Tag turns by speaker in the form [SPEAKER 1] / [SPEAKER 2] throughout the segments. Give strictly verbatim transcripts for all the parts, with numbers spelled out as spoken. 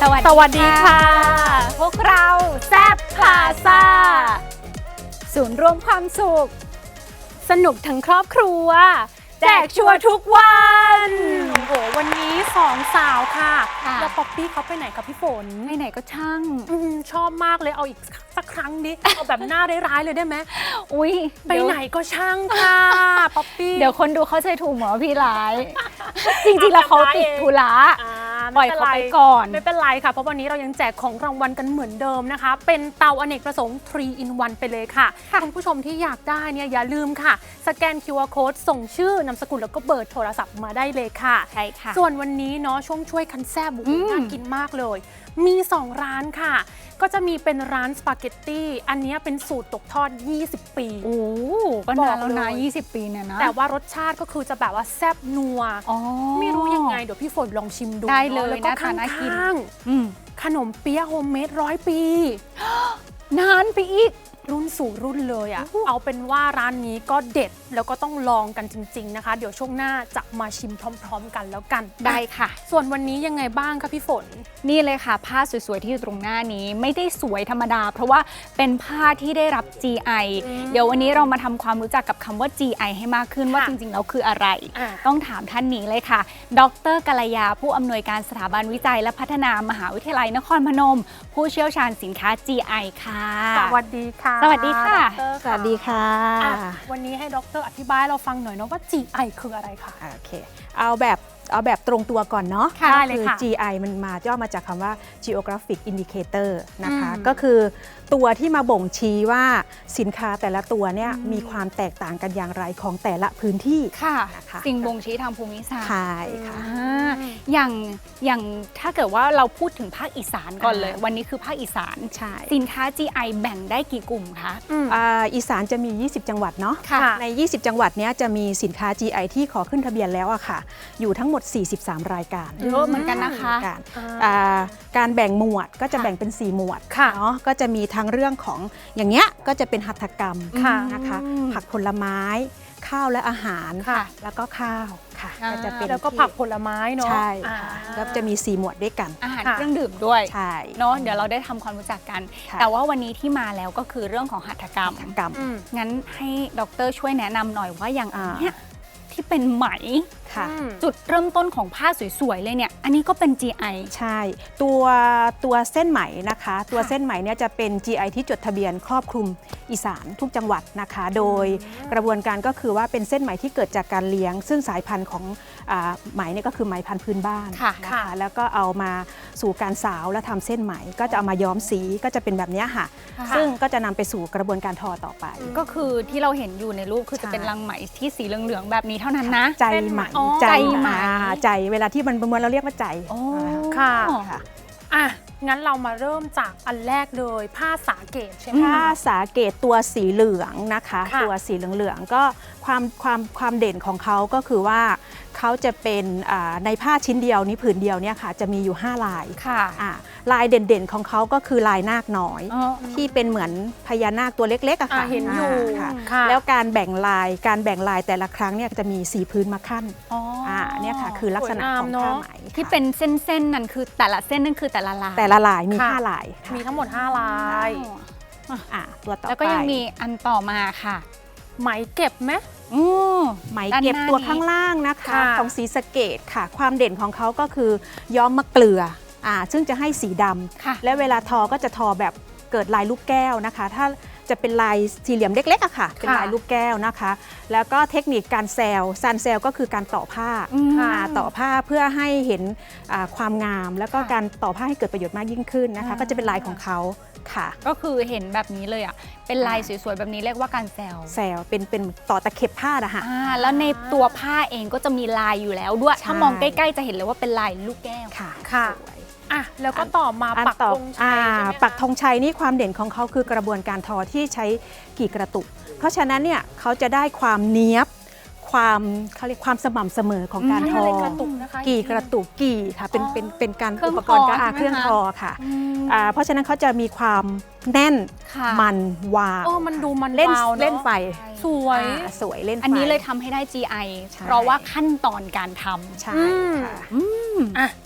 [SPEAKER 1] สวัสดี
[SPEAKER 2] สวัสดีค่ะ
[SPEAKER 1] พวกเราแซ่บพลาซ่าศูนย์รวมความสุข
[SPEAKER 2] สนุกทั้งครอบครัวแจกชัวร์ทุกวันโอ้โหวันนี้สองสาวค่ะแล้วป๊อปปี้เขาไปไหนกับพี่ฝน
[SPEAKER 1] ไปไหนก็ช่าง
[SPEAKER 2] อชอบมากเลยเอาอีกสักครั้งดิเอาแบบหน้าร้ายๆเลยได้ไหม
[SPEAKER 1] อุ้ย
[SPEAKER 2] ไปไหนก็ช่างค่ะป๊อปปี้
[SPEAKER 1] เดี๋ยวคนดูเข้าใจถูกหมอพี่ร้าย จริงๆแล้วเขาติดธุระปล่อยเขาไปก่อน
[SPEAKER 2] ไม่เป็นไรค่ะเพราะวันนี้เรายังแจกของรางวัลกันเหมือนเดิมนะคะเป็นเตาอเนกประสงค์ ทรี อิน วัน ไปเลยค่ะคุณผู้ชมที่อยากได้เนี่ยอย่าลืมค่ะสแกน คิว อาร์ Code ส่งชื่อนามสกุลแล้วก็เบอร์โทรศัพท์มาได้เลยค่ะ
[SPEAKER 1] ใช่ค่ะ
[SPEAKER 2] ส่วนวันนี้เนาะช่วงช่วยคันแซ่บบุกน่ากินมากเลยมีสองร้านค่ะก็จะมีเป็นร้านสปาเกตตี้อันนี้เป็นสูตรตกทอดยี่สิบปี
[SPEAKER 1] โอ้ก็นานแล้วนะยี่สิบปีเนี่ยนะ
[SPEAKER 2] แต่ว่ารสชาติก็คือจะแบบว่าแซ่บนัวไม่รู้ยังไงเดี๋ยวพี่ฝนลองชิมดู
[SPEAKER 1] ได้เลย
[SPEAKER 2] แล้วก็ข้างๆขนมเปี๊ยะโฮมเมดร้อยปี
[SPEAKER 1] นานไปอีก
[SPEAKER 2] รุ่นสู่รุ่นเลยอ่ะเอาเป็นว่าร้านนี้ก็เด็ดแล้วก็ต้องลองกันจริงๆนะคะเดี๋ยวช่วงหน้าจะมาชิมพร้อมๆกันแล้วกัน
[SPEAKER 1] ได้ค่ะ
[SPEAKER 2] ส่วนวันนี้ยังไงบ้างคะพี่ฝน
[SPEAKER 1] นี่เลยค่ะผ้าสวยๆที่อยู่ตรงหน้านี้ไม่ได้สวยธรรมดาเพราะว่าเป็นผ้าที่ได้รับ จี ไอ เดี๋ยววันนี้เรามาทำความรู้จักกับคำว่า จี ไอ ให้มากขึ้นว่าจริงๆแล้วคืออะไรต้องถามท่านนี้เลยค่ะดร.กัลยาผู้อำนวยการสถาบันวิจัยและพัฒนามหาวิทยาลัยนครพนมผู้เชี่ยวชาญสินค้า จี ไอ ค่ะ
[SPEAKER 2] สวัสดีค่ะ
[SPEAKER 1] สวัสดีค่ะ
[SPEAKER 3] สวัสดีค่ะ
[SPEAKER 2] วันนี้ให้ดร.อธิบายเราฟังหน่อยนะว่า จี ไอ คืออะไรคะ
[SPEAKER 3] โอเคเอาแบบเอาแบบตรงตัวก่อนเนาะ
[SPEAKER 2] ค่ะ
[SPEAKER 3] คือ จี ไอ มันมาย่อมาจากคำว่า Geographic Indicator นะคะก็คือตัวที่มาบ่งชี้ว่าสินค้าแต่ละตัวเนี่ยมีความแตกต่างกันอย่างไรของแต่ละพื้นที่
[SPEAKER 1] ค่ะนะคะสิ่งบ่งชี้ทางภูมิศาสตร์
[SPEAKER 3] ใช่ค่ะ
[SPEAKER 1] อย่างอย่างถ้าเกิดว่าเราพูดถึงภาคอีสานก่อนเลยวันนี้คือภาคอีสาน
[SPEAKER 3] ใช่
[SPEAKER 1] สินค้า จี ไอ แบ่งได้กี่กลุ่มคะ
[SPEAKER 3] อีสานจะมียี่สิบจังหวัดเนาะในยี่สิบจังหวัดนี้จะมีสินค้า จี ไอ ที่ขอขึ้นทะเบียนแล้วอะค่ะอยู่ทั้งหมดสี่สิบสามรายการ
[SPEAKER 1] เยอะเหมือนกันนะคะ
[SPEAKER 3] การแบ่งหมวดก็จะแบ่งเป็นสี่หมวดเนาะก็จะมีทั้งเรื่องของอย่างเงี้ยก็จะเป็นหัตถกรรมนะคะผักผลไม้ข้าวและอาหารแล้วก็ข้าวค่ะ
[SPEAKER 2] ก็จะเป็นแล้วก็ผักผลไม้เนาะ
[SPEAKER 3] ใช่ก็จะมีสี่หมวดด้วยกัน
[SPEAKER 1] อาหารเครื่องดื่มด้วย
[SPEAKER 3] ใช่
[SPEAKER 1] เนาะเดี๋ยวเราได้ทำความรู้จักกันแต่ว่าวันนี้ที่มาแล้วก็คือเรื่องของหัตถกรรมงั้นให้ดร.ช่วยแนะนำหน่อยว่าอย่างเนี้ยที่เป็นไหมจุดเริ่มต้นของผ้าสวยๆเลยเนี่ยอันนี้ก็เป็น จี ไอ
[SPEAKER 3] ใช่ตัวตัวเส้นไหมนะคะตัวเส้นไหมเนี่ยจะเป็น จี ไอ ที่จดทะเบียนครอบคลุมอีสานทุกจังหวัดนะคะโดยกระบวนการก็คือว่าเป็นเส้นไหมที่เกิดจากการเลี้ยงซึ่งสายพันธุ์ของไหมเนี่ยก็คือไหมพันธุ์พื้นบ้านนะคะแล้วก็เอามาสู่การสาวและทำเส้นไหมก็จะเอามาย้อมสีก็จะเป็นแบบนี้ค่ะซึ่งก็จะนำไปสู่กระบวนการทอต่อไป
[SPEAKER 1] ก็คือที่เราเห็นอยู่ในรูปคือจะเป็นรังไหมที่สีเหลืองๆแบบนี้เท่านั้นนะ
[SPEAKER 3] ใจไหมใจไหมใจเวลาที่มันประมวลเราเรียกว่าใจ
[SPEAKER 2] ค่ะอ่ะงั้นเรามาเริ่มจากอันแรกเลยผ้าสาเกตใช่ไหม
[SPEAKER 3] ผ้าสาเกตตัวสีเหลืองนะคะตัวสีเหลืองๆก็ความความความเด่นของเขาก็คือว่าเขาจะเป็นในผ้าชิ้นเดียวนี้ผืนเดียวเนี่ยค่ะจะมีอยู่ห้าลายลายเด่นๆของเขาก็คือลายนาคน้อยที่เป็นเหมือนพญานาคตัวเล็กๆอะค่ะ
[SPEAKER 2] เห็นอยู่
[SPEAKER 3] แล้วการแบ่งลายการแบ่งลายแต่ละครั้งเนี่ยจะมีสีพื้นมาขั้นเนี่ยค่ะคือลักษณะของผ้าไหม
[SPEAKER 1] ที่เป็นเส้นๆนั่นคือแต่ละเส้นนั่นคือแต่ละลาย
[SPEAKER 3] แต่ละลายมีห้าลาย
[SPEAKER 2] มีทั้งหมดห้าลาย
[SPEAKER 3] ตัวต่อไป
[SPEAKER 1] แล้วก็ยังมีอันต่อมาค่ะ
[SPEAKER 2] ไหมเก็บไหม
[SPEAKER 3] ไหมเก็บตัวข้างล่างนะคะของศรีสะเกษค่ะความเด่นของเขาก็คือย้อมมะเกลืออ่าซึ่งจะให้สีดำและเวลาทอก็จะทอแบบเกิดลายลูกแก้วนะคะถ้าจะเป็นลายสี่เหลี่ยมเล็กๆอะค่ะเป็นลายลูกแก้วนะคะแล้วก็เทคนิคการแซลซันแซลก็คือการต่อผ้าต่อผ้าเพื่อให้เห็นความงามแล้วก็การต่อผ้าให้เกิดประโยชน์มากยิ่งขึ้นนะคะก็จะเป็นลายของเขาค่ะ
[SPEAKER 1] ก็คือเห็นแบบนี้เลยอ่ะเป็นลายสวยๆแบบนี้เรียกว่าการแซล
[SPEAKER 3] แซลเป็นเป็นต่อตะเข็บผ้านะคะ
[SPEAKER 1] แล้วในตัวผ้าเองก็จะมีลายอยู่แล้วด้วยถ้ามองใกล้ๆจะเห็นเลยว่าเป็นลายลูกแก้ว
[SPEAKER 3] ค่ะ
[SPEAKER 2] ค่ะอ่ะแล้วก็ต่อมาปักธงชัย
[SPEAKER 3] ปักธงชัยนี่ความเด่นของเขาคือกระบวนการทอที่ใช้กี่กระตุกเพราะฉะนั้นเนี่ยเขาจะได้ความเนี้ยบความเขาเรียกความสม่ำเสมอของการทอกี่กระตุกกี่ค่ะเป็นเป็นเป็นการอุปกรณ์การเครื่องทอค่ะเพราะฉะนั้นเขาจะมีความแน่นมันวาว
[SPEAKER 2] มันดูมัน
[SPEAKER 3] เล่นเล่นไฟ
[SPEAKER 2] สวย
[SPEAKER 3] สวยเล่นไฟ
[SPEAKER 1] อันนี้เลยทำให้ได้ จี ไอ เพราะว่าขั้นตอนการทำ
[SPEAKER 3] ใช่ค่ะ
[SPEAKER 2] อ่ะไป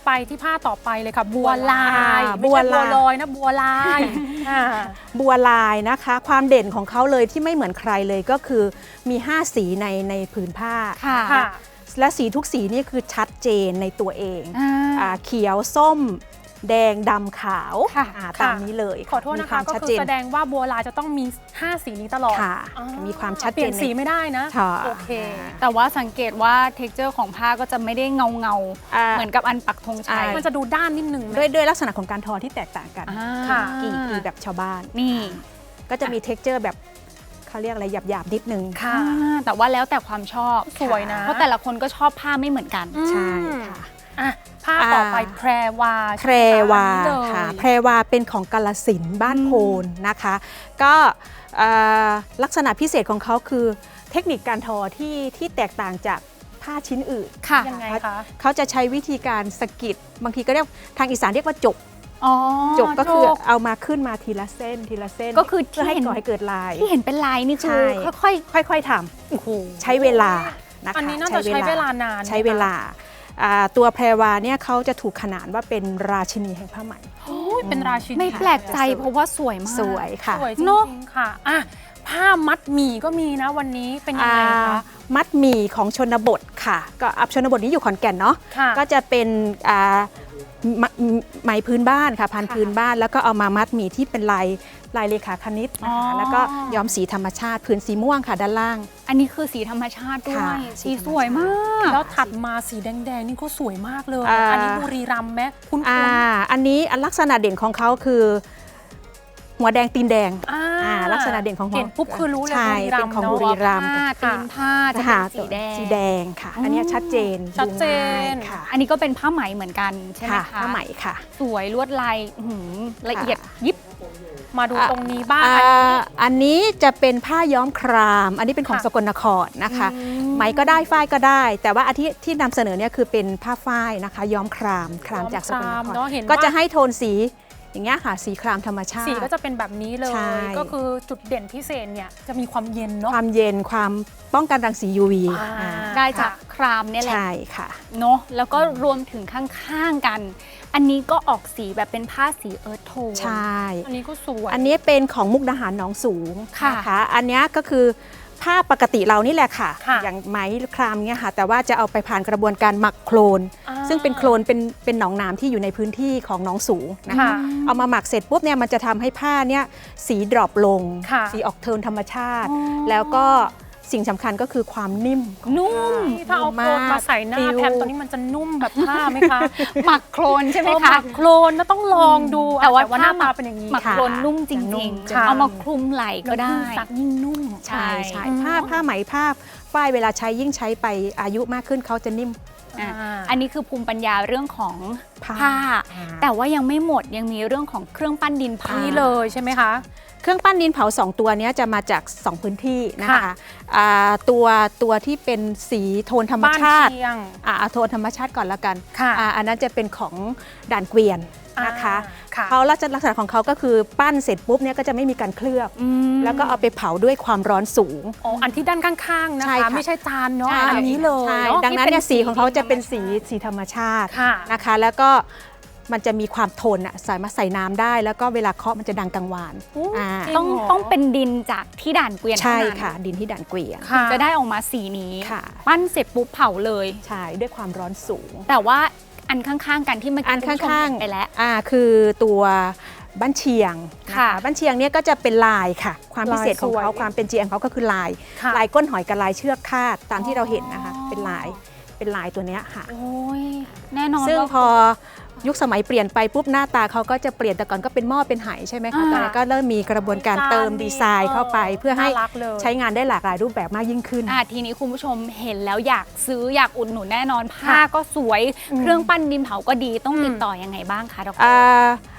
[SPEAKER 2] ไปที่ผ้าต่อไปเลยค่ะ บัวลาย
[SPEAKER 3] อ่า
[SPEAKER 2] ไม่ใช่
[SPEAKER 3] บัวลาย
[SPEAKER 2] บัวลอยนะบัวลายอ่า
[SPEAKER 3] บัวลายนะคะ ความเด่นของเขาเลยที่ไม่เหมือนใครเลยก็คือมีห้าสีในในผืนผ้า
[SPEAKER 1] ค่ะ
[SPEAKER 2] ค่ะ
[SPEAKER 3] และสีทุกสีนี่คือชัดเจนในตัวเอง
[SPEAKER 1] อ่า
[SPEAKER 3] อ่าเขียวส้ม แดงดำขาว
[SPEAKER 1] ค่ะ
[SPEAKER 3] อ่าตามนี้เลย
[SPEAKER 2] ขอโทษนะคะ
[SPEAKER 3] มีวาม
[SPEAKER 2] ก็
[SPEAKER 3] ชัด
[SPEAKER 2] คือ
[SPEAKER 3] เจน
[SPEAKER 2] แสดงว่าบัวลายจะต้องมีห้าสีนี้ตลอด
[SPEAKER 3] ค่ะ
[SPEAKER 2] อ๋อ
[SPEAKER 3] มีความชัด
[SPEAKER 2] เปลี่ยน
[SPEAKER 3] เจนใน
[SPEAKER 2] สีไม่ได้นะ
[SPEAKER 3] ค่ะ
[SPEAKER 2] โอเค
[SPEAKER 1] แต่ว่าสังเกตว่า texture ของผ้าก็จะไม่ได้เงาเงาๆ
[SPEAKER 3] อ่า
[SPEAKER 1] เหมือนกับอันปักธงชัย
[SPEAKER 3] อ่า
[SPEAKER 2] มันจะดูด้านนิดนึงไหม
[SPEAKER 3] ด้วยด้วยลักษณะของการทอที่แตกต่างกัน
[SPEAKER 1] อ่า
[SPEAKER 2] ค่ะ
[SPEAKER 3] กี่กี่แบบชาวบ้าน
[SPEAKER 1] นี่
[SPEAKER 3] ก็จะมี texture แบบเขาเรียกอะไรหยาบๆนิดนึง
[SPEAKER 2] ค่ะ
[SPEAKER 1] อ่าแต่ว่าแล้วแต่ความชอบ
[SPEAKER 2] สวยนะ
[SPEAKER 1] เพราะแต่ละคนก็ชอบผ้าไม่เหมือนกัน
[SPEAKER 2] อืม
[SPEAKER 3] ใช่ค่ะ
[SPEAKER 2] อ่ะผ้าต่อไป
[SPEAKER 3] อ่า
[SPEAKER 2] แพรวา
[SPEAKER 3] แพรวา
[SPEAKER 2] ใช่ไหม
[SPEAKER 3] ค่ะ
[SPEAKER 2] อันนี้เลย
[SPEAKER 3] แพรวาเป็นของกาลสินธุ์บ้านโพนนะคะ ก็เอ่อลักษณะพิเศษของเขาคือเทคนิคการทอที่ที่แตกต่างจากผ้าชิ้นอื่น
[SPEAKER 1] ค่ะ
[SPEAKER 2] ยังไงคะ
[SPEAKER 3] เขาจะใช้วิธีการสะกิดบางทีก็เรียกทางอีสานเรียกว่าจก
[SPEAKER 1] อ๋อ
[SPEAKER 3] จกก็คือเอามาขึ้นมาทีละเส้นทีละเส้น
[SPEAKER 1] ก็คือที่
[SPEAKER 3] เพื่อให้
[SPEAKER 1] เห็น
[SPEAKER 3] ก่อให้เกิดลาย
[SPEAKER 1] ที่เห็นเป็นลายนี่คือ
[SPEAKER 3] ใช่
[SPEAKER 1] ค่อย
[SPEAKER 3] ค่อยๆท
[SPEAKER 1] ๆโอ้โห
[SPEAKER 3] ำใช้เวลานะคะ
[SPEAKER 2] อันนี้น่าจะใช้เวลานานไหมคะ
[SPEAKER 3] ใช้เวลาอ่าตัวแพรวาเนี่ยเขาจะถูกขนานว่าเป็นราชินีแห่งผ้าไหม
[SPEAKER 2] โอ้ยเป็นราชินี
[SPEAKER 1] ไม่แปลกใจเพราะว่าสวยมาก
[SPEAKER 3] สวยค่ะ
[SPEAKER 2] สวยจริ
[SPEAKER 1] เนอะ
[SPEAKER 2] งๆค่ะอ่ะ ผ้ามัดหมี่ก็มีนะวันนี้เป็นยังไง
[SPEAKER 3] อ่า
[SPEAKER 2] คะ
[SPEAKER 3] มัดหมี่ของชนบทค่ะ ก็อับชนบทนี้อยู่ขอนแก่นเนาะ
[SPEAKER 2] ค่ะ
[SPEAKER 3] ก็จะเป็นอ่าไหมไหมพื้นบ้านค่ะพันพื้นบ้าน แล้วก็เอามามัดหมี่ที่เป็นลายลายเลขาคณิตนะคะ
[SPEAKER 1] อ๋อ
[SPEAKER 3] แล้วก็ย้อมสีธรรมชาติพื้นสีม่วงค่ะด้านล่าง
[SPEAKER 1] อันนี้คือสีธรรมชาติด้ว
[SPEAKER 3] ค่ะ
[SPEAKER 1] ย
[SPEAKER 3] สี
[SPEAKER 1] สี
[SPEAKER 3] ธรรมชาติ
[SPEAKER 1] สวยมาก
[SPEAKER 2] แล้วถัดมาสีแดงๆนี่ก็สวยมากเลย
[SPEAKER 3] อ่า
[SPEAKER 2] อันนี้บุรีรัมย์ไหมคุ้น
[SPEAKER 3] อ่า
[SPEAKER 2] ๆ
[SPEAKER 3] อันนี้อันลักษณะเด่นของเขาคือ หัวแดงตีนแดง
[SPEAKER 2] อ่า
[SPEAKER 3] อ่าลักษณะเด่นของ
[SPEAKER 2] เห็นปุ๊บคือรู้เลย
[SPEAKER 3] ใช่
[SPEAKER 2] บุรีรั
[SPEAKER 3] เป็
[SPEAKER 2] ม
[SPEAKER 3] น
[SPEAKER 2] ย์
[SPEAKER 3] ของ
[SPEAKER 2] เนอะ
[SPEAKER 3] บุรีรัมย์
[SPEAKER 1] ผ้าตีนผ้าจะ
[SPEAKER 3] ค่ะ
[SPEAKER 1] เป็นสีแดง
[SPEAKER 3] สีแดงค่ะ อันเนี้ยชัดเจน
[SPEAKER 2] ชัดเจน
[SPEAKER 3] ดูง่ายค่ะ
[SPEAKER 1] อันนี้ก็เป็นผ้าไหมเหมือนกันใช่ไหม
[SPEAKER 3] ค่ะ
[SPEAKER 1] คะ
[SPEAKER 3] ผ้าไหมค่ะ
[SPEAKER 1] สวยลวดลายอื้อหือละเอียด
[SPEAKER 3] ค่ะ
[SPEAKER 1] ยิบ
[SPEAKER 2] มาดูตรงนี้บ้าง
[SPEAKER 3] อ่า
[SPEAKER 2] อันนี้
[SPEAKER 3] อันนี้จะเป็นผ้าย้อมคราม อันนี้เป็นของ
[SPEAKER 2] ค่ะ
[SPEAKER 3] สกลนครนะคะ ไหมก็ได้ฝ้ายก็ได้ แต่ว่าอันที่ที่นำเสนอเนี่ยคือเป็นผ้าฝ้ายนะคะ ย้อมครามครามจากสกลน
[SPEAKER 2] ย้อม
[SPEAKER 3] ค
[SPEAKER 2] คราร มเนอะเห็น
[SPEAKER 3] ก็จะ
[SPEAKER 2] ว่า
[SPEAKER 3] ให้โทนสีอย่างเงี้ยค่ะ สีครามธรรมชาติ
[SPEAKER 2] สีก็จะเป็นแบบนี้เลย
[SPEAKER 3] ใช่
[SPEAKER 2] ก็คือจุดเด่นพิเศษเนี่ยจะมีความเย็นเนาะ
[SPEAKER 3] ความเย็นความป้องกันรังสี ยู วี
[SPEAKER 2] อ่า
[SPEAKER 3] อ่า
[SPEAKER 1] ได้จากครามเนี่ยแหละ
[SPEAKER 3] ใช่ค่ะ
[SPEAKER 1] เนาะแล้วก็รวมถึงข้างๆกัน อันนี้ก็ออกสีแบบเป็นผ้าสีเอิร์ธโทน
[SPEAKER 3] ใช่
[SPEAKER 2] อันนี้ก็สวย
[SPEAKER 3] อันนี้เป็นของมุกดาหารหนองสูง
[SPEAKER 1] ค่ะ
[SPEAKER 3] นะคะ อันเนี้ยก็คือผ้าปกติเรานี่แหละค่ะ
[SPEAKER 2] ค่ะ
[SPEAKER 3] อย่างไหมครามเงี้ยค่ะ แต่ว่าจะเอาไปผ่านกระบวนการหมักโคลน
[SPEAKER 2] อ่า
[SPEAKER 3] ซึ่งเป็นโคลนเป็นเป็นหนองน้ำที่อยู่ในพื้นที่ของหนองสูงนะคะ
[SPEAKER 2] ค่ะ
[SPEAKER 3] เอามาหมักเสร็จปุ๊บเนี่ยมันจะทำให้ผ้าเนี่ยสีดรอปลง
[SPEAKER 2] ค่ะ
[SPEAKER 3] สีออกโทนธรรมชาติ
[SPEAKER 1] อ๋อ
[SPEAKER 3] แล้วก็สิ่งสำคัญก็คือความนิ่มของ
[SPEAKER 1] นุ่ม
[SPEAKER 3] ผ้
[SPEAKER 2] นี่ถ้าเอาโคลนมาใส่หน้า
[SPEAKER 3] ฟิว
[SPEAKER 2] แพมตัวนี้มันจะนุ่มแบบผ้าไหมคะ
[SPEAKER 1] หมักโครนใช่ไหม
[SPEAKER 2] เออห
[SPEAKER 1] คะ
[SPEAKER 2] มักโคลนแล้วต้องลองดู
[SPEAKER 1] แต่ว่า
[SPEAKER 2] หน้า
[SPEAKER 1] ถ้าหมั
[SPEAKER 2] ตาก เป็นอย่างนี้
[SPEAKER 1] หมัก
[SPEAKER 3] ค่ะ
[SPEAKER 1] โครนนุ่มจ
[SPEAKER 3] จะนุ่
[SPEAKER 1] ริง
[SPEAKER 3] ม
[SPEAKER 1] ๆ
[SPEAKER 2] ค่ะ
[SPEAKER 1] เอามาคลุมไหล่ก็ได้
[SPEAKER 2] แล้วยิ่งซักยิ่งนุ่ม
[SPEAKER 3] ใช่ใช่
[SPEAKER 2] อืม
[SPEAKER 3] ผ้าผ้าไหมผ้าฝ้ายเวลาใช้ยิ่งใช้ไปอายุมากขึ้นเขาจะนิ่ม
[SPEAKER 1] อ่ะ
[SPEAKER 2] อ่า
[SPEAKER 1] อันนี้คือภูมิปัญญาเรื่องของ
[SPEAKER 3] ผ้า
[SPEAKER 1] ผ้า
[SPEAKER 3] อ่า
[SPEAKER 1] แต่ว่ายังไม่หมดยังมีเรื่องของเครื่องปั้นดินเผา
[SPEAKER 2] นี่เลยใช่ไหมคะ
[SPEAKER 3] เครื่องปั้นดินเผาสองตัวเนี้ยจะมาจากสองพื้นที่นะคะ
[SPEAKER 2] ค่ะ
[SPEAKER 3] อ่าตัวตัวที่เป็นสีโทนธรรม
[SPEAKER 2] บ้าน
[SPEAKER 3] ชาติ
[SPEAKER 2] เชียง
[SPEAKER 3] อ่าเอาโทนธรรมชาติก่อนละกัน
[SPEAKER 2] ค่ะ
[SPEAKER 3] อ่าอันนั้นจะเป็นของด่านเกวียนนะคะ
[SPEAKER 2] อ่าค่ะ
[SPEAKER 3] เขาลักษณะลักษณะของเขาก็คือปั้นเสร็จปุ๊บเนี่ยก็จะไม่มีการเคลือบ
[SPEAKER 1] อืม
[SPEAKER 3] แล้วก็เอาไปเผาด้วยความร้อนสูง
[SPEAKER 2] อ๋ออันที่ด้านข้างๆนะ
[SPEAKER 3] ใช่
[SPEAKER 2] คะ
[SPEAKER 3] ค่ะ
[SPEAKER 2] ไม่ใช่จานเนาะ
[SPEAKER 3] ใช่
[SPEAKER 2] อันนี้เลย
[SPEAKER 3] ใช่
[SPEAKER 2] เนาะ
[SPEAKER 3] ดังนั้นเนี่ย
[SPEAKER 1] ที่เป็น
[SPEAKER 3] สีของเขาจะเป็น
[SPEAKER 1] สี
[SPEAKER 3] สี
[SPEAKER 1] ธรรมชาติ
[SPEAKER 3] สีธรรมชาติ
[SPEAKER 2] ค่ะ
[SPEAKER 3] นะคะ แล้วก็มันจะมีความทนอ่ะใส่มาใส่น้ำได้ แล้วก็เวลาเคาะมันจะดังกังวาน
[SPEAKER 2] อู้
[SPEAKER 3] อ่า
[SPEAKER 2] จริ
[SPEAKER 1] ต้อง
[SPEAKER 2] เหรอ
[SPEAKER 1] ต้องเป็นดินจากที่ด่านเกวียน
[SPEAKER 3] ใช่
[SPEAKER 1] เท่านั้น
[SPEAKER 3] ค่ะ ดินที่ด่านเกวียน
[SPEAKER 2] ค่ะ
[SPEAKER 1] จะได้ออกมาสีนี้
[SPEAKER 3] ค่ะ
[SPEAKER 1] ปั้นเสร็จปุ๊บเผาเลย
[SPEAKER 3] ใช่ด้วยความร้อนสูง
[SPEAKER 1] แต่ว่าอันข้างๆกันที่เมื่อ
[SPEAKER 3] อั
[SPEAKER 1] กี้
[SPEAKER 3] น
[SPEAKER 1] คุณผู้ชม
[SPEAKER 3] ข้าง
[SPEAKER 1] เห็นไปแล้ว
[SPEAKER 3] ๆอ่าคือตัวบ้านเชียงน
[SPEAKER 1] ค่ะ
[SPEAKER 3] บ้านเชียงเนี่ยก็จะเป็นลายค่ะ ความพิเศษของเขา
[SPEAKER 2] ลายสวย
[SPEAKER 3] ความเป็น จี เอ็ม เขาก็คือลาย
[SPEAKER 2] ค่ะ
[SPEAKER 3] ลายก้นหอยกับลายเชือกคาดตามที่เราเห็นนะคะ
[SPEAKER 1] อ๋อ
[SPEAKER 3] เป็นลายเป็นลายตัวเนี้ยค่ะ
[SPEAKER 1] โอ้ยแน่นอน
[SPEAKER 3] ซึ่ง
[SPEAKER 1] ว่า
[SPEAKER 3] พอยุคสมัยเปลี่ยนไปปุ๊บหน้าตาเขาก็จะเปลี่ยนแต่ก่อนก็เป็นหม้อเป็นไหใช่ไหมคะ
[SPEAKER 1] อ่า
[SPEAKER 3] ตอนนี้ก็เริ่มมีกระบวนการเติมดีไซน์เข้าไป เพื่อให้
[SPEAKER 2] น่ารักเลย
[SPEAKER 3] ใช้งานได้หลากหลายรูปแบบมากยิ่งขึ้น
[SPEAKER 1] อ่ะทีนี้คุณผู้ชมเห็นแล้วอยากซื้ออยากอุดหนุนแน่นอนผ้า
[SPEAKER 2] ค่ะ
[SPEAKER 1] ก็สวย
[SPEAKER 2] อืม
[SPEAKER 1] เครื่องปั้นดินเผาก็ดีต้อง
[SPEAKER 2] อืม
[SPEAKER 1] ติดต่อยังไงบ้างคะดร
[SPEAKER 3] อ่า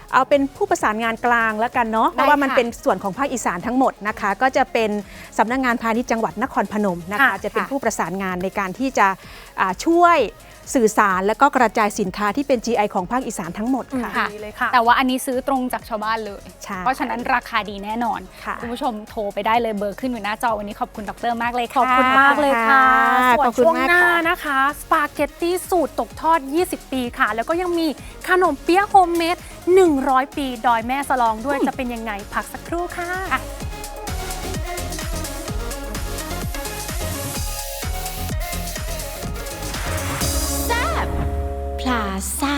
[SPEAKER 3] เอาเป็นผู้ประสานงานกลางแล้วกันเนาะเพราะว่ามันเป็นส่วนของภาคอีสานทั้งหมดนะคะก็จะเป็นสำนักงานพาณิชย์จังหวัดนครพนมนะคะจะเป็นผู้ประสานงานในการที่จะช่วยสื่อสารและก็กระจายสินค้าที่เป็น จี ไอ ของภาคอีสานทั้งหมดค่ะ
[SPEAKER 2] ดีเลยค่ะ
[SPEAKER 1] แต่ว่าอันนี้ซื้อตรงจากชาวบ้านเลย
[SPEAKER 3] ใช่
[SPEAKER 1] เพราะฉะนั้นราคาดีแน่นอน
[SPEAKER 3] ค่ะ
[SPEAKER 1] คุณผู้ชมโทรไปได้เลยเบอร์ขึ้นอยู่หน้าจอวันนี้ขอบคุณดรมากเลย
[SPEAKER 2] ข
[SPEAKER 1] ค่ะ
[SPEAKER 2] อบคุณมากเลยค่ะส่ว
[SPEAKER 3] ข
[SPEAKER 2] น
[SPEAKER 3] อบคุณ
[SPEAKER 2] ช่วง
[SPEAKER 3] มาก
[SPEAKER 2] หน้า
[SPEAKER 3] ค่ะ
[SPEAKER 2] นะคะสปาเกตตี้สูตรตกทอด ยี่สิบ ปีค่ะ แล้วก็ยังมีขนมเปี๊ยะโฮมเมด หนึ่งร้อย ปี ดอยแม่สลองด้วยจะเป็นยังไงพักสักครู่ค่ะ
[SPEAKER 4] พลาซ่า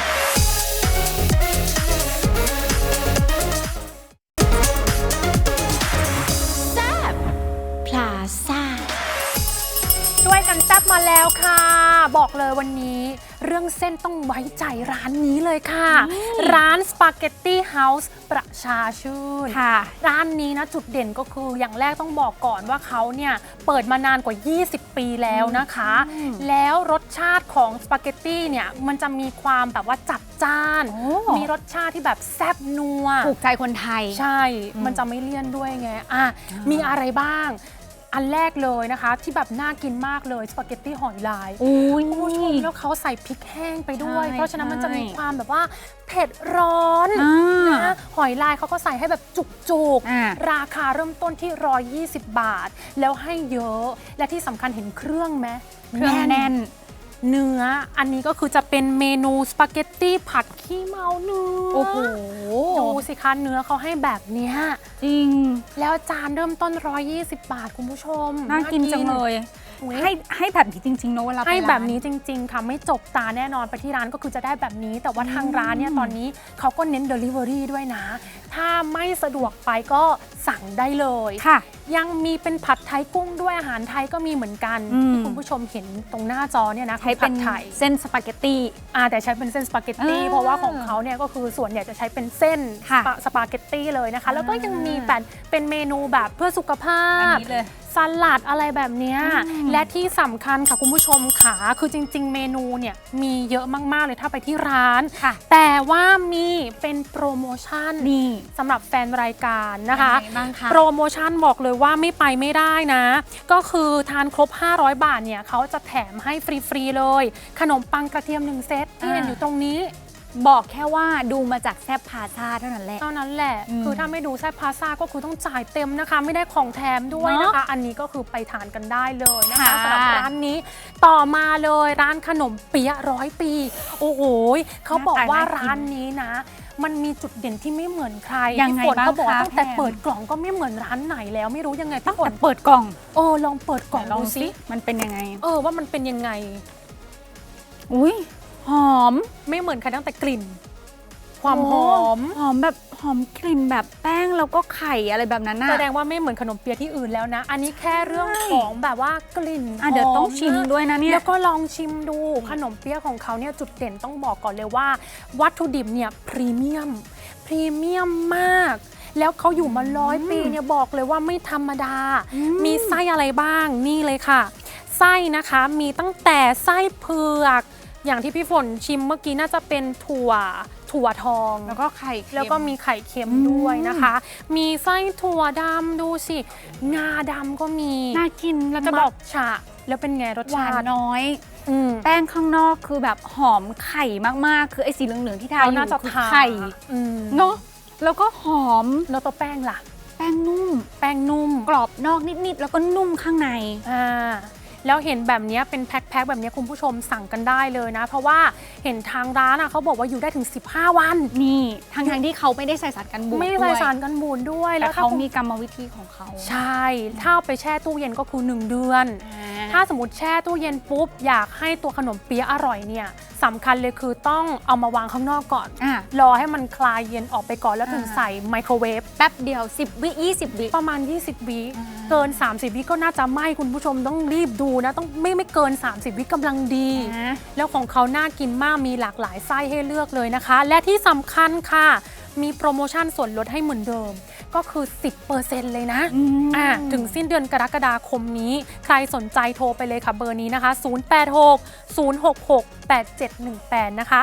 [SPEAKER 4] แซบพลาซ่า
[SPEAKER 2] ช่วยกันแซ่บมาแล้วค่ะ บอกเลยวันนี้เรื่องเส้นต้องไว้ใจร้านนี้เลยค่ะ ร้านสปาเกตตี้เฮาส์ประชาชื่น
[SPEAKER 1] ค่ะ
[SPEAKER 2] ร้านนี้นะจุดเด่นก็คืออย่างแรกต้องบอกก่อนว่าเขาเนี่ยเปิดมานานกว่า ยี่สิบ ปีแล้วนะคะ แล้วรสชาติของสปาเกตตี้เนี่ยมันจะมีความแบบว่าจัดจ้าน
[SPEAKER 1] โอ้
[SPEAKER 2] มีรสชาติที่แบบแซ่บนัว
[SPEAKER 1] ถูกใจคนไทย
[SPEAKER 2] ใช่ มันจะไม่เลี่ยนด้วยไง อ่ะ มีอะไรบ้าง อันแรกเลยนะคะ ที่แบบน่ากินมากเลยสปาเกตตี้หอยลาย
[SPEAKER 1] อุ้ย
[SPEAKER 2] คุณผู้ชมแล้วเขาใส่พริกแห้งไปด้วย
[SPEAKER 1] ใช่
[SPEAKER 2] เพราะฉะนั้นมันจะมี
[SPEAKER 1] ใช่
[SPEAKER 2] ความแบบว่าเผ็ดร้อน
[SPEAKER 1] อ่า
[SPEAKER 2] นะหอยลายเขาก็ใส่ให้แบบจุก
[SPEAKER 1] อ่า
[SPEAKER 2] ๆ ราคาเริ่มต้นที่หนึ่งร้อยยี่สิบบาท แล้วให้เยอะ และที่สำคัญเห็นเครื่องไหม
[SPEAKER 1] เครื่องแน่น
[SPEAKER 2] เนื้อ อันนี้ก็คือจะเป็นเมนูสปาเกตตี้ผัดขี้เมาเนื้อ
[SPEAKER 1] โอ้โห
[SPEAKER 2] ดูสิคะเนื้อเขาให้แบบเนี้ย
[SPEAKER 1] จริง
[SPEAKER 2] แล้วจานเริ่มต้นหนึ่งร้อยยี่สิบบาทคุณผู้ชม
[SPEAKER 1] น่ากินจังเลย
[SPEAKER 2] อุ๊ย
[SPEAKER 1] ให้ให้แบบนี้จริงๆเนอะเวลาไป
[SPEAKER 2] ให้แบบ
[SPEAKER 1] ร้า
[SPEAKER 2] นี้จริง ๆ ค่ะ ไม่จกตาแน่นอนไปที่ร้านก็คือจะได้แบบนี้ แต่ว่าทางร้านเนี่ยตอนนี้เขาก็เน้น Delivery ด้วยนะ ถ้าไม่สะดวกไปก็สั่งได้เลย
[SPEAKER 1] ค่ะ
[SPEAKER 2] ยังมีเป็นผัดไทยกุ้งด้วยอาหารไทยก็มีเหมือนกัน
[SPEAKER 1] อืม
[SPEAKER 2] ที่คุณผู้ชมเห็นตรงหน้าจอเนี่ยนะ
[SPEAKER 1] ใช้
[SPEAKER 2] คือ
[SPEAKER 1] เป็
[SPEAKER 2] ผั
[SPEAKER 1] น
[SPEAKER 2] ดไทย
[SPEAKER 1] เส้นสปาเกตตี้
[SPEAKER 2] อ่าแต่ใช้เป็นเส้นสปาเกตตี้
[SPEAKER 1] อ่า
[SPEAKER 2] เพราะว่าของเขาเนี่ยก็คือส่วนใหญ่จะใช้เป็นเส้น
[SPEAKER 1] ค่ะ
[SPEAKER 2] สปาสปาเกตตี้เลยนะคะ แล้วก็ยังมี
[SPEAKER 1] อ่า
[SPEAKER 2] แบบเป็นเมนูแบบเพื่อสุขภา
[SPEAKER 1] อัน
[SPEAKER 2] พ
[SPEAKER 1] นี้เลย
[SPEAKER 2] สลัดอะไรแบบเนี้ย
[SPEAKER 1] อืม
[SPEAKER 2] และที่สำคัญค่ะคุณผู้ชมค่ะคือจริง ๆ เมนูเนี่ยมีเยอะมากๆเลยถ้าไปที่ร้าน
[SPEAKER 1] ค่ะ
[SPEAKER 2] แต่ว่ามีเป็นโปรโมชั่น
[SPEAKER 1] นี่
[SPEAKER 2] สำหรับแฟนรายการนะคะ
[SPEAKER 1] ยังไงบ้างคะ
[SPEAKER 2] โปรโมชั่นบอกเลยว่าไม่ไปไม่ได้นะ ก็คือทานครบ ห้าร้อย บาทเนี่ยเขาจะแถมให้ฟรี ๆ เลย ขนมปังกระเทียมหนึ่งเซตที่เห็นอยู่ตรงนี้
[SPEAKER 1] บอกแค่ว่าดูมาจากแซบพาซาเท่านั้นแหละ
[SPEAKER 2] เท่านั้นแหละ
[SPEAKER 1] อืม
[SPEAKER 2] คือถ้าไม่ดูแซ่บพาซ่าก็คือต้องจ่ายเต็มนะคะ ไม่ได้ของแถมด้วยนะคะ อันนี้ก็คือไปทานกันได้เลยนะคะ
[SPEAKER 1] ค่ะ
[SPEAKER 2] สำหรับร้านนี้ ต่อมาเลยร้านขนมเปี๊ยะร้อยปี โอ้โหเขาบอกว่าร้านนี้นะ มันมีจุดเด่นที่ไม่เหมือนใคร
[SPEAKER 1] ยังไง
[SPEAKER 2] พี่ฝน
[SPEAKER 1] บ้าง
[SPEAKER 2] เขาบอกว่า
[SPEAKER 1] คะ
[SPEAKER 2] ตั้งแต่
[SPEAKER 1] แพม
[SPEAKER 2] เปิดกล่องก็ไม่เหมือนร้านไหนแล้วไม่รู้ยังไง
[SPEAKER 1] ตั้
[SPEAKER 2] พี่
[SPEAKER 1] ง
[SPEAKER 2] ฝ
[SPEAKER 1] แต่
[SPEAKER 2] น
[SPEAKER 1] เปิดกล่อง
[SPEAKER 2] เออลองเปิดกล่อง
[SPEAKER 1] ลอง
[SPEAKER 2] ดู
[SPEAKER 1] สิ
[SPEAKER 2] สิ
[SPEAKER 1] มันเป็นยังไง
[SPEAKER 2] เออว่ามันเป็นยังไง
[SPEAKER 1] อุ้ยหอม
[SPEAKER 2] ไม่เหมือนใครตั้งแต่กลิ่น ความหอม
[SPEAKER 1] หอมแบบหอมกลิ่นแบบแป้งแล้วก็ไข่อะไรแบบนั้นน่ะ
[SPEAKER 2] แสดงว่าไม่เหมือนขนมเปี๊ยะที่อื่นแล้วนะ อันนี้แค่เรื่องของแบบว่ากลิ่น
[SPEAKER 1] อ่ะเดี๋ยวต้อง
[SPEAKER 2] หม
[SPEAKER 1] ชิมด้วยนะเนี่ย
[SPEAKER 2] แล้วก็ลองชิมดูขนมเปี๊ยะของเขาเนี่ยจุดเด่นต้องบอกก่อนเลยว่า วัตถุดิบเนี่ยพรีเมียมพรีเมียมมาก แล้วเขาอยู่มาร้อยปีเนี่ยบอกเลยว่าไม่ธรรมดา มีไส้อะไรบ้างนี่เลยค่ะ ไส้นะคะมีตั้งแต่ไส้เผือก อย่างที่พี่ฝนชิมเมื่อกี้น่าจะเป็นถั่วถั่วทอง
[SPEAKER 1] แล้วก็ไข่เค็ม
[SPEAKER 2] แล้วก็มีไข่เค็ม
[SPEAKER 1] อืม
[SPEAKER 2] ด้วยนะคะ มีไส้ถั่วดำดูสิ งาดำก็มี
[SPEAKER 1] น่ากินแล้วจะ
[SPEAKER 2] จะ
[SPEAKER 1] บบ อ
[SPEAKER 2] อก กฉะแล้วเป็นไงรส
[SPEAKER 1] หวา
[SPEAKER 2] ชาน ติ
[SPEAKER 1] น้อย
[SPEAKER 2] อืม
[SPEAKER 1] แป้งข้างนอกคือแบบหอมไข่มากๆ คือไอ้สีเหลืองๆที่ทา
[SPEAKER 2] เขา
[SPEAKER 1] อยู่
[SPEAKER 2] น่าจะ
[SPEAKER 1] คือ
[SPEAKER 2] ทา
[SPEAKER 1] ไข่
[SPEAKER 2] อืม
[SPEAKER 1] เนาะแล้วก็หอม
[SPEAKER 2] แล้วตัวแป้งล่ะ
[SPEAKER 1] แป้งนุ่ม
[SPEAKER 2] แป้งนุ่ม
[SPEAKER 1] กรอบนอกนิดๆแล้วก็นุ่มข้างใน
[SPEAKER 2] อ่าแล้วเห็นแบบนี้เป็นแพ็คๆแบบนี้คุณผู้ชมสั่งกันได้เลยนะ เพราะว่าเห็นทางร้านอ่ะเขาบอกว่าอยู่ได้ถึงสิบห้าวัน
[SPEAKER 1] นี่ทางทางๆที่เขาไม่ได้ใส่สารกันบูด
[SPEAKER 2] ไม่
[SPEAKER 1] ด้
[SPEAKER 2] ใส่
[SPEAKER 1] วย
[SPEAKER 2] สารกันบูดด้วย
[SPEAKER 1] แต่
[SPEAKER 2] แล้วถ้า
[SPEAKER 1] เขา
[SPEAKER 2] คุณ
[SPEAKER 1] มีกรรมวิธีของเขา
[SPEAKER 2] ใช่ ถ้าเอาไปแช่ตู้เย็นก็คือหนึ่งเดือน
[SPEAKER 1] อ่า
[SPEAKER 2] ถ้าสมมติแช่ตู้เย็นปุ๊บอยากให้ตัวขนมเปี๊ยะอร่อยเนี่ยสำคัญเลยคือต้องเอามาวางข้างนอกก่อน
[SPEAKER 1] อ่ะ
[SPEAKER 2] รอให้มันคลายเย็นออกไปก่อนแล้วถึง
[SPEAKER 1] อ่า
[SPEAKER 2] ใส่ไมโครเวฟ
[SPEAKER 1] แป๊บเดียวสิบวิยี่สิบวิ
[SPEAKER 2] ประมาณ ยี่สิบ วิ
[SPEAKER 1] อ่า
[SPEAKER 2] เกิน สามสิบ วิก็น่าจะไหม้คุณผู้ชมต้องรีบดูนะต้องไม่ไม่เกิน สามสิบ วิกำลังดี
[SPEAKER 1] นะ
[SPEAKER 2] แล้วของเขาน่ากินมากมีหลากหลายไส้ให้เลือกเลยนะคะ และที่สำคัญค่ะ มีโปรโมชั่นส่วนลดให้เหมือนเดิม ก็คือ สิบเปอร์เซ็นต์ เลยนะ
[SPEAKER 1] อืม
[SPEAKER 2] อ่ะถึงสิ้นเดือนกรกฎาคมนี้ ใครสนใจโทรไปเลยค่ะเบอร์นี้นะคะ ศูนย์ แปด หก ศูนย์ หก หก แปด เจ็ด หนึ่ง แปด นะคะ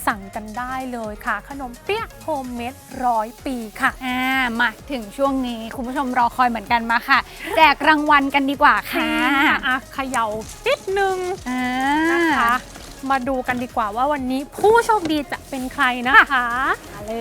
[SPEAKER 2] สั่งกันได้เลยค่ะ ขนมเปี๊ยะโฮมเมดร้อยปีค่ะ
[SPEAKER 1] อ่ามาถึงช่วงนี้คุณผู้ชมรอคอยเหมือนกันมาค่ะ แจกรางวัลกันดีกว่าค่ะ
[SPEAKER 2] อ่ะเขย่านิดนึง
[SPEAKER 1] อ่า
[SPEAKER 2] นะคะ มาดูกันดีกว่าว่าวันนี้ผู้โชคดีจะเป็นใครนะคะ
[SPEAKER 1] มาเลย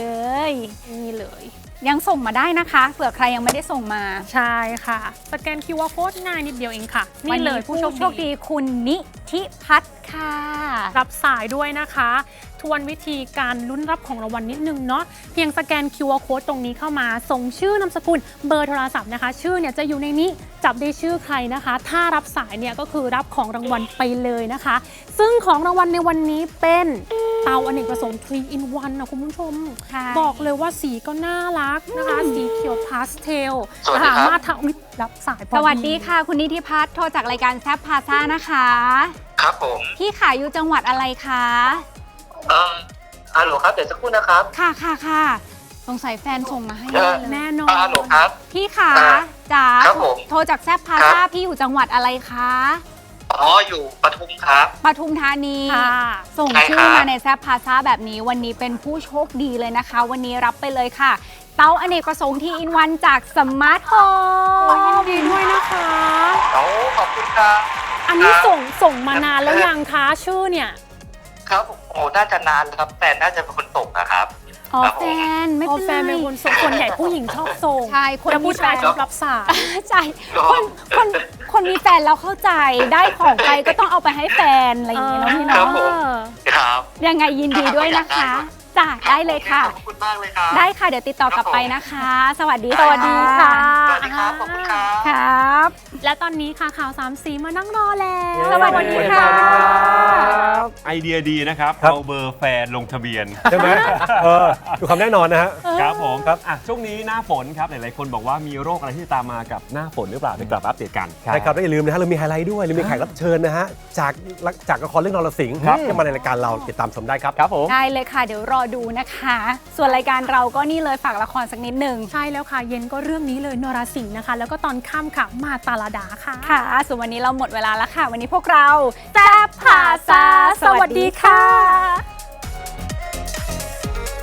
[SPEAKER 2] นี่เลย
[SPEAKER 1] ยังส่งมาได้นะคะเผื่อใครยังไม่ได้ส่งมา
[SPEAKER 2] ใช่ค่ะ สแกน คิว อาร์ Code ง่ายนิดเดียวเองค่ะ
[SPEAKER 1] วั
[SPEAKER 2] นี่เลยผู้
[SPEAKER 1] ผู้
[SPEAKER 2] โช
[SPEAKER 1] โช
[SPEAKER 2] ค
[SPEAKER 1] ค
[SPEAKER 2] ดี
[SPEAKER 1] ดีคุณนิธิพัฒน์ค่ะ
[SPEAKER 2] รับสายด้วยนะคะ ทวนวิธีการลุ้นรับของรางวัลนิดนึงเนาะเพียงสแกน คิว อาร์ Code ตรงนี้เข้ามาส่งชื่อนามสกุลเบอร์โทรศัพท์นะคะ ชื่อเนี่ยจะอยู่ในนี้จับได้ชื่อใครนะคะ ถ้ารับสายเนี่ยก็คือรับของรางวัลไปเลยนะคะ ซึ่งของรางวัลในวันนี้เป็นเตาอเนกประสงค์ ทรี อิน วัน นะคุณผู้ชม
[SPEAKER 1] ค่ะ
[SPEAKER 2] บอกเลยว่าสีก็น่ารักนะคะ สีเขียวพาสเทล
[SPEAKER 5] สวัสดีครับ
[SPEAKER 2] สามารถทำอุ๊ยรับสายพอ
[SPEAKER 1] สวัสดีค่ะ คุณนิธิพัฒน์โทรจากรายการแซฟพาซ่านะคะ
[SPEAKER 5] ครับผม
[SPEAKER 1] พี่ขายอยู่จังหวัดอะไรคะ
[SPEAKER 5] เอ่อฮัลโหลครับ เดี๋ยวสักครู่นะครับ
[SPEAKER 1] ค่ะค่ะค่ะสงสัยแฟนส่งมาให้
[SPEAKER 5] เอ่อ
[SPEAKER 1] เลย
[SPEAKER 2] แน่นอ
[SPEAKER 5] อ่าน ฮัลโหลครับ
[SPEAKER 1] พี่ขา
[SPEAKER 5] อ่า
[SPEAKER 1] จ๋า
[SPEAKER 5] ครับผม
[SPEAKER 1] โทรจากแซฟพาซ่าพี่อยู่จังหวัดอะไรคะ
[SPEAKER 5] อ๋อ อยู่ปทุมครับ
[SPEAKER 1] ปทุมธานี
[SPEAKER 2] ค่ะ
[SPEAKER 1] ส่ง
[SPEAKER 5] ใช่
[SPEAKER 1] ชื่
[SPEAKER 5] ครั
[SPEAKER 1] อบ มาในแซฟพาซ่าแบบนี้วันนี้เป็นผู้โชคดีเลยนะคะ วันนี้รับไปเลยค่ะ เตาอเนกประสงค์ที่อินวันจากสมาร์ทโฮ
[SPEAKER 2] โอ้ยยิน
[SPEAKER 1] ม
[SPEAKER 2] ดีด้วยนะคะ
[SPEAKER 5] โอ้ขอบคุณครับ
[SPEAKER 2] อันนี้
[SPEAKER 5] ครับ
[SPEAKER 2] ส่งส่งมานานแล้วยังคะชื่อเนี่ย
[SPEAKER 5] ครับผมโอ้น่าจะนานแล้วครับ แต่น่าจะเป็นคนส่งนะครับ
[SPEAKER 1] อ๋อ
[SPEAKER 5] ครับผม
[SPEAKER 1] แฟนไม่
[SPEAKER 2] อ๋อ
[SPEAKER 1] เป็น
[SPEAKER 2] แฟน
[SPEAKER 1] ไร
[SPEAKER 2] เป็นคนส่งคนใหญ่ผู้หญิงชอบส่ง
[SPEAKER 1] ใช่คน
[SPEAKER 2] แล้วผู้ชาย
[SPEAKER 1] มีแฟน
[SPEAKER 2] ชอบรับสาย
[SPEAKER 1] ใช่คนคนคนมีแฟนแล้วเข้าใจได้ของไปก็ต้องเอาไปให้แฟนอะไรอย่างนี้เนาะพี่
[SPEAKER 5] ครั
[SPEAKER 1] เนาะ
[SPEAKER 5] บผม ครับ
[SPEAKER 1] ยังไงยินดีด้วยนะคะจ้ะได้เลยค่ะ
[SPEAKER 5] ขอบคุณมากเลยครับ
[SPEAKER 1] ได้ค่ะเดี๋ยวติดต่อกลับไปนะคะ สวัสดี
[SPEAKER 5] สวั
[SPEAKER 1] สวั
[SPEAKER 5] ส
[SPEAKER 1] ส
[SPEAKER 5] ดี
[SPEAKER 1] ดี
[SPEAKER 5] ค่ะ
[SPEAKER 1] ค่ะ
[SPEAKER 5] สวัสดีครับ ขอบคุณครับ
[SPEAKER 1] ครับ
[SPEAKER 2] และตอนนี้ค่ะข่าวสามสีมานั่งรอแล้ว
[SPEAKER 1] สวัสดีค่ะ
[SPEAKER 6] ไอเดียดีนะครับ
[SPEAKER 7] ครับ
[SPEAKER 6] เอาเบอร์แฟนลงทะเบียน
[SPEAKER 7] ใช่ไหมเออดูความแน่นอนนะฮะ
[SPEAKER 6] ครับผม
[SPEAKER 7] ครับ
[SPEAKER 6] อ่ะช่วงนี้หน้าฝนครับหลายๆคนบอกว่ามีโรคอะไรที่จะตามมากับหน้าฝนหรือเปล่าไปกลับมาอัปเดตกัน
[SPEAKER 7] ใช่ครับแล้วอย่าลืมนะฮะเรามีไฮไลท์ด้วยเรามีแขกรับเชิญนะฮะจากจากละครเรื่องนรสิงห์
[SPEAKER 6] ครับ
[SPEAKER 7] ที่มาในรายการเราติดตามชมได้ครับ
[SPEAKER 6] ครับผม
[SPEAKER 1] ได้เลยค่ะ เดี๋ยวรอดูนะคะ ส่วนรายการเราก็นี่เลยฝากละครสักนิดหนึ่ง
[SPEAKER 2] ใช่แล้วค่ะ เย็นก็เรื่องนี้เลยนรสิงห์นะคะ แล้วก็ตอนค่ำค่ะมาตาลาดาค่ะ
[SPEAKER 1] ค่ะ ส่วนวันนี้เราหมดเวลาแล้วค่ะ วันนี้พวกเราแซ่บผ่าซาสวัสดีค่ะ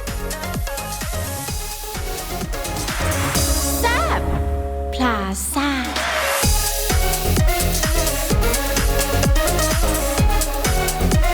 [SPEAKER 4] พลาซ่า